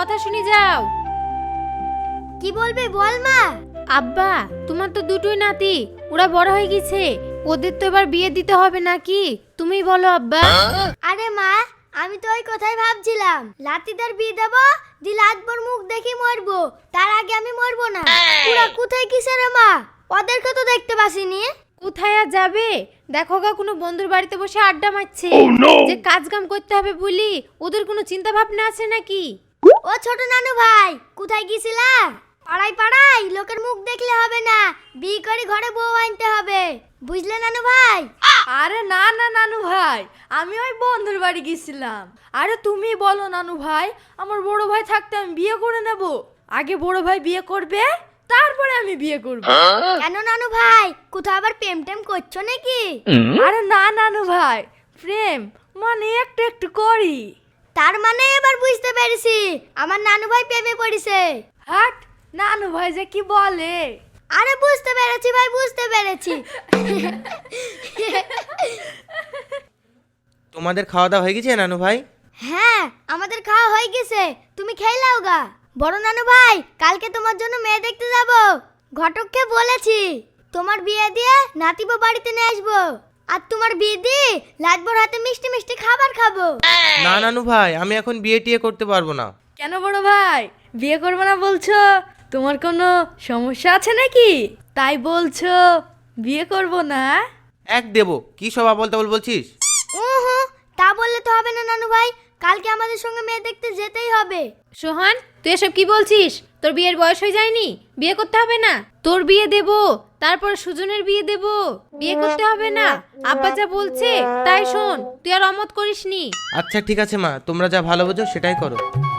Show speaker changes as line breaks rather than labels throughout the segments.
কথা শুনে যাও।
কি বলবি বল মা।
আব্বা, তোমার তো দুটোই নাতি, ওরা বড় হয়ে গেছে, ওদের তো এবার বিয়ে দিতে হবে নাকি? তুমি বলো আব্বা।
আরে মা, আমি তো ওই কথাই ভাবছিলাম, লাতিদার বিয়ে দেবো, দিল আজবর মুখ দেখি মরবো, তার আগে আমি মরবো না। ওরা কোথায় কিসে রে মা? ওদেরকে তো দেখতে পাসিনি।
কোথায় আর যাবে? দেখো গা, কোনো বন্ধুর বাড়িতে বসে আড্ডা মারছে। যে কাজ কাম করতে হবে বলি ওদের কোনো চিন্তা ভাবনা আছে নাকি?
ও ছোট নানু ভাই, কোথায় গিয়েছিলা? পাড়ায় পাড়ায় লোকের মুখ দেখলে হবে না, বিয়ে করে ঘরে বউ আনতে হবে, বুঝলে নানু ভাই?
আরে না না নানু ভাই, আমি ওই বন্ধুর বাড়ি গেছিলাম। আরে তুমি বলো নানু ভাই, আমার বড় ভাই থাকতে আমি বিয়ে করে নেব। আগে বড় ভাই বিয়ে করবে, তারপরে আমি বিয়ে করব।
কেন নানু ভাই, কোথাও আবার প্রেম টেম করছো নাকি?
আরে না নানু ভাই, প্রেম মানে একটু একটু করি।
তার মানে এবার বুঝতে পেরেছি, আমার নানু ভাই প্রেমে পড়েছে।
হাট, নানু ভাই যে কি বলে।
আরে বুঝতে পেরেছি ভাই, বুঝতে পেরেছি।
তোমাদের খাওয়া দাওয়া হয়ে গেছে নানু ভাই?
হ্যাঁ, আমাদের খাওয়া হয়ে গেছে, তুমি খেয়ে নাও গা। বড় নানু ভাই, কালকে তোমার জন্য মেয়ে দেখতে যাব, ঘটককে বলেছি তোমার বিয়ে দিয়ে নাতিবো বাড়িতে নিয়ে আসবো, আর তোমার বিয়ে দিয়ে লাজবর হাতে মিষ্টি মিষ্টি খাবার খাবো।
না নানু ভাই, আমি এখন বিয়ে টিয়ে করতে পারবো না।
কেন বড় ভাই, বিয়ে করবে না বলছো? তোমার কোনো সমস্যা আছে নাকি তাই বলছো বিয়ে করব না?
এক দেবো, কি সব আবল তাবল বলছিস?
উহু, তা বললে তো হবে না নানু ভাই, কালকে আমাদের সঙ্গে মেয়ে দেখতে যেতেই হবে।
সোহান, তুই এসব কি বলছিস? তোর বিয়ের বয়স হয়ে যায়নি? বিয়ে করতে হবে না? তোর বিয়ে দেব, তারপর সুজনের বিয়ে দেব, বিয়ে করতে হবে না? আব্বা যা বলছে তাই শোন, তুই আর অমত করিসনি।
আচ্ছা ঠিক আছে মা, তোমরা যা ভালো বোঝো সেটাই করো।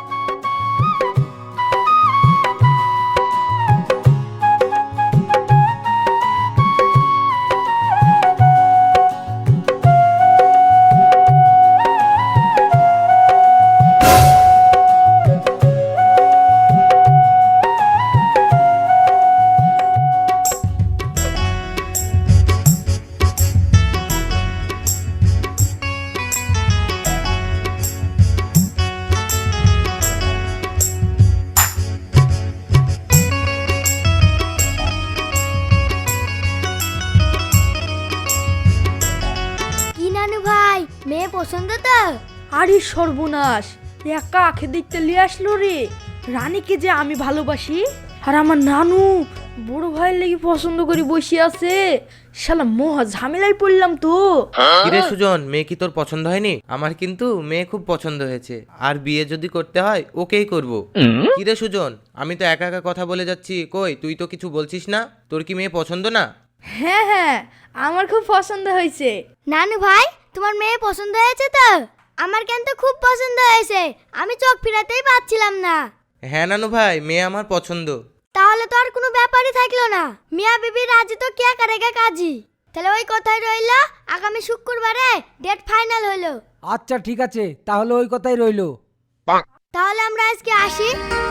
কি নানু ভাই, মেয়ে পছন্দ তো?
আরে সর্বনাশ, একা আখে দেখতে লিয়ে আসলো রে। রানীকে যে আমি ভালোবাসি, আর আমার নানু বড় ভাইয়ের লেগে পছন্দ করে বসে আছে। শালা মহা ঝামেলায় পড়লাম তো।
কিরে সুজন, মেয়ে কি তোর পছন্দ হয়নি? আমার কিন্তু মেয়ে খুব পছন্দ হয়েছে, আর বিয়ে যদি করতে হয় ওকেই করব। কিরে সুজন, আমি তো একা একা কথা বলে যাচ্ছি, কই তুই তো কিছু বলছিস না? তোর কি মেয়ে পছন্দ না?
হ্যাঁ হ্যাঁ, আমার খুব পছন্দ হয়েছে।
নানু ভাই, তোমার মেয়ে পছন্দ হয়েছে তো? আমার কেন তো খুব পছন্দ হয়েছে, আমি চোখ ফিরাতেই পাচ্ছিলাম না।
হ্যাঁ নানু ভাই, মেয়ে আমার পছন্দ।
তাহলে তো আর কোনো ব্যাপারই থাকলো না, মিয়া বিবি রাজি তো কে করেগা কাজী। তাহলে ওই কথাই রইলো, আগামী শুক্রবারে ডেট ফাইনাল হলো।
আচ্ছা ঠিক আছে, তাহলে ওই কথাই রইলো।
তাহলে আমরা আজকে আসি।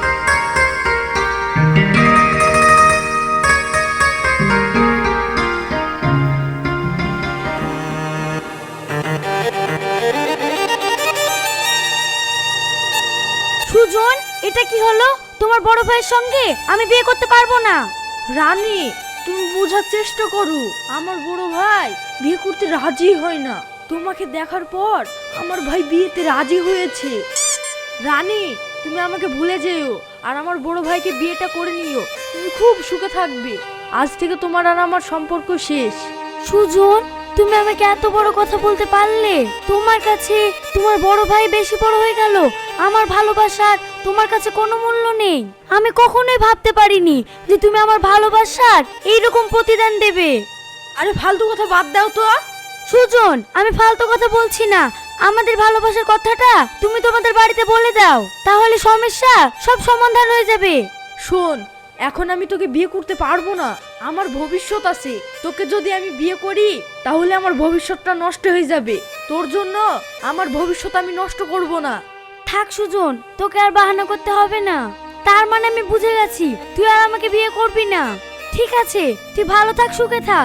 সুজন, এটা কি হলো? তোমার বড় ভাইয়ের সঙ্গে আমি বিয়ে করতে পারবো না। রানী, তুমি বোঝার চেষ্টা করো, আমার বড় ভাই বিয়ে করতে রাজি হয় না। তোমাকে দেখার পর আমার ভাই বিয়েতে রাজি হয়েছে। রানী, তুমি আমাকে ভুলে যেও, আর আমার বড় ভাইকে বিয়েটা করে নিও, তুমি খুব সুখে থাকবে। আজ থেকে তোমার আর আমার সম্পর্ক শেষ।
সুজন, তুমি আমাকে এত বড় কথা বলতে পারলে? তোমার কাছে তোমার বড় ভাই বেশি বড় হয়ে গেল, আমার ভালোবাসার তোমার কাছে কোনো মূল্য নেই। আমি কখনোই ভাবতে পারিনি যে তুমি আমার ভালোবাসার এইরকম প্রতিদান দেবে।
আরে ফালতু কথা বাদ দাও তো।
সুজন, আমি ফালতু কথা বলছি না, আমাদের ভালোবাসার কথাটা তুমি তোমাদের বাড়িতে বলে দাও, তাহলে সমস্যা সব সমাধান হয়ে যাবে।
শোন, এখন আমি তোকে বিয়ে করতে পারবো না, আমার ভবিষ্যৎ আছে। তোকে যদি আমি বিয়ে করি তাহলে আমার ভবিষ্যৎটা নষ্ট হয়ে যাবে। তোর জন্য আমার ভবিষ্যৎ আমি নষ্ট করব না।
থাক সুজন, তোকে আর বাহানা করতে হবে না। তার মানে আমি বুঝে গেছি তুই আর আমাকে বিয়ে করবি না। ঠিক আছে, তুই ভালো থাক, সুখে থাক।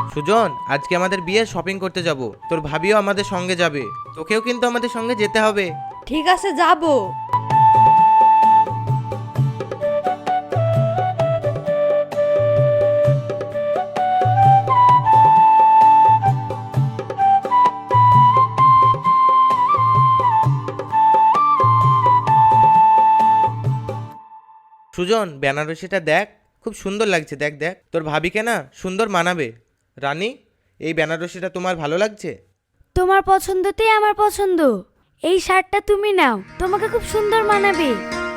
সুজন, আজকে আমাদের বিয়ে শপিং করতে যাব। তোর ভাবিও আমাদের সঙ্গে যাবে, তোকেও কিন্তু আমাদের সঙ্গে যেতে হবে।
ঠিক আছে, যাবো।
সুজন, বেনারসিটা দেখ, খুব সুন্দর লাগছে। দেখ দেখ, তোর ভাবিকে না সুন্দর মানাবে। রানী, এই বেনারসিটা তোমার ভালো লাগছে?
তোমার পছন্দতেই আমার পছন্দ। এই শার্টটা তুমি নাও, তোমাকে খুব সুন্দর মানাবে।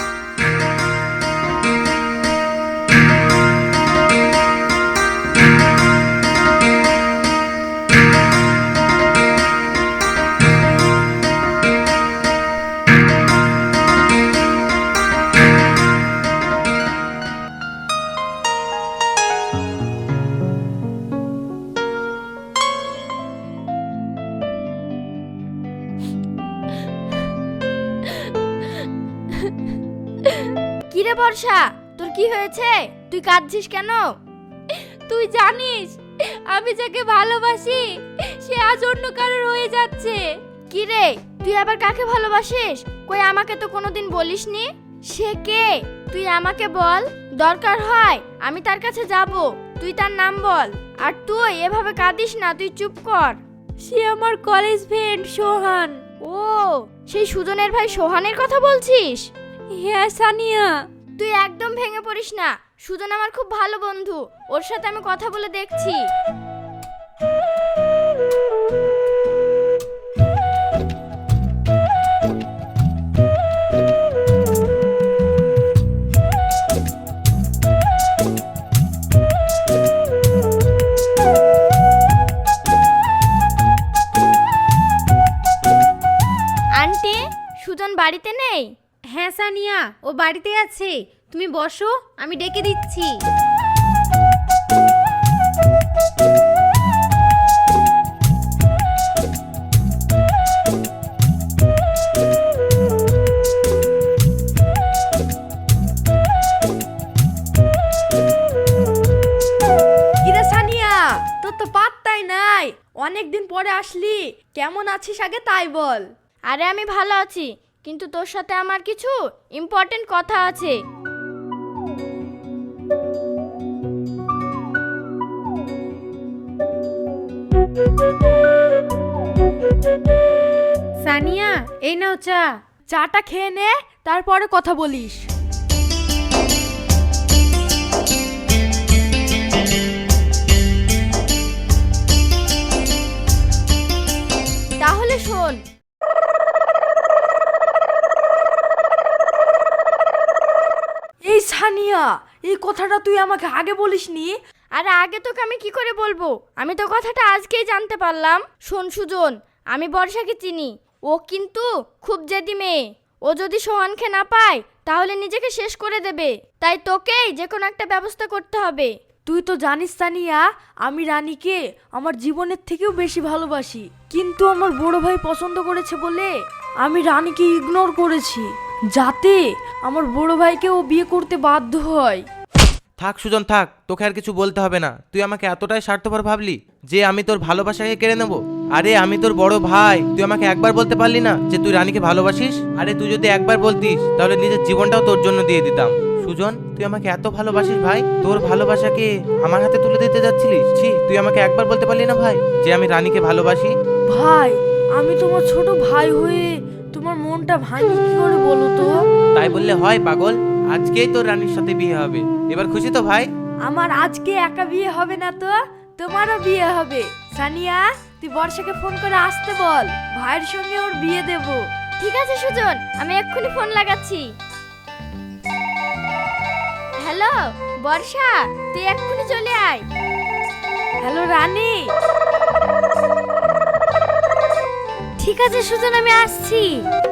কিরে বর্ষা, তোর কি হয়েছে? তুই কাঁদছিস কেন?
তুই জানিস আমি যাকে ভালোবাসি সে আজ অন্য কারোর হয়ে যাচ্ছে।
কিরে, তুই আবার কাকে ভালোবাসিস? কই আমাকে তো কোনোদিন বলিসনি। সে কে? তুই আমাকে বল, দরকার হয় আমি তার কাছে যাব। তুই তার নাম বল। আর তুই এভাবে কাঁদিস না, তুই চুপ কর।
সে আমার কলেজ ফ্রেন্ড সোহান।
ও, সেই সুজনের ভাই সোহানের কথা বলছিস?
হ্যাঁ সানিয়া।
তুই একদম ভেঙে পড়িস না, সুজন আমার খুব ভালো বন্ধু, ওর সাথে আমি কথা বলে দেখছি। আন্টি, সুজন বাড়িতে নেই?
হ্যাঁ সানিয়া, ও বাড়িতে আছে। তুমি বসো, আমি ডেকে দিচ্ছি।
কিরে সানিয়া, তোর তো পাত্তাই নাই। অনেকদিন পরে আসলি, কেমন আছিস আগে তাই বল।
আরে আমি ভালো আছি, কিন্তু তোর সাথে আমার কিছু ইম্পর্টেন্ট কথা আছে।
সানিয়া, এই নাও চা।
চাটা খেয়ে নে, তারপরে কথা বলিস।
তাহলে শোন,
এই সানিয়া, এই কথাটা তুই আমাকে আগে বলিসনি।
আরে আগে তোকে আমি কি করে বলবো? আমি তো কথাটা আজকেই জানতে পারলাম। শোন সুজন, আমি বর্ষাকে চিনি। ও কিন্তু খুব জেদি মেয়ে। ও যদি সোহানকে না পায় তাহলে নিজেকে শেষ করে দেবে। তাই তোকেই যে কোনো একটা ব্যবস্থা করতে হবে।
তুই তো জানিস সানিয়া, আমি রানীকে আমার জীবনের থেকেও বেশি ভালোবাসি। কিন্তু আমার বড় ভাই পছন্দ করেছে বলে আমি রানীকে ইগনোর করেছি, যাতে আমার বড় ভাইকে ও বিয়ে করতে বাধ্য হয়।
থাক সুজন, থাক, তোকে আর কিছু বলতে হবে না। তুই আমাকে এতটাই স্বার্থপর ভাবলি যে আমি তোর ভালোবাসাকে কেড়ে নেব? আরে আমি তোর বড় ভাই, তুই আমাকে একবার বলতে পারলি না যে তুই রানীকে ভালোবাসিস? আরে তুই যদি একবার বলতিস তাহলে নিজের জীবনটাও তোর জন্য দিয়ে দিতাম। সুজন, তুই আমাকে এত ভালোবাসিস ভাই, তোর ভালোবাসাকে আমার হাতে তুলে দিতে যাচ্ছিলিস? ছি, তুই আমাকে একবার বলতে পারলি না ভাই যে আমি রানীকে ভালোবাসি?
ভাই, আমি তোমার ছোট ভাই হয়ে তোমার মনটা ভাঙি কি করে বলো তো?
তাই বললে হয় পাগল? আজকেই তোর রানীর সাথে বিয়ে হবে। এবার খুশি তো ভাই?
আমার আজকে একা বিয়ে হবে না তো, তোমারও বিয়ে হবে। সানিয়া, তুই বর্ষাকে ফোন করে আসতে বল, ভাইয়ের সঙ্গে ওর বিয়ে দেব।
ঠিক আছে সুজন, আমি এক্ষুনি ফোন লাগাচ্ছি। হ্যালো বর্ষা, তুই এক্ষুনি চলে আয়।
হ্যালো রানী।
ঠিক আছে সুজন, আমি আসছি।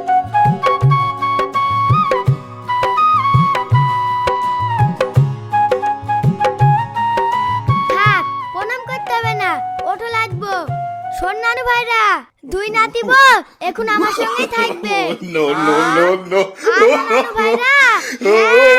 থাক, প্রণাম করতে হবে না, ওঠো লাগবো। শোন নানু ভাইরা, দুই নাতি বউ এখন আমার সঙ্গেই থাকবে।
No, no, no, no.
আর নানু ভাইরা, হ্যাঁ।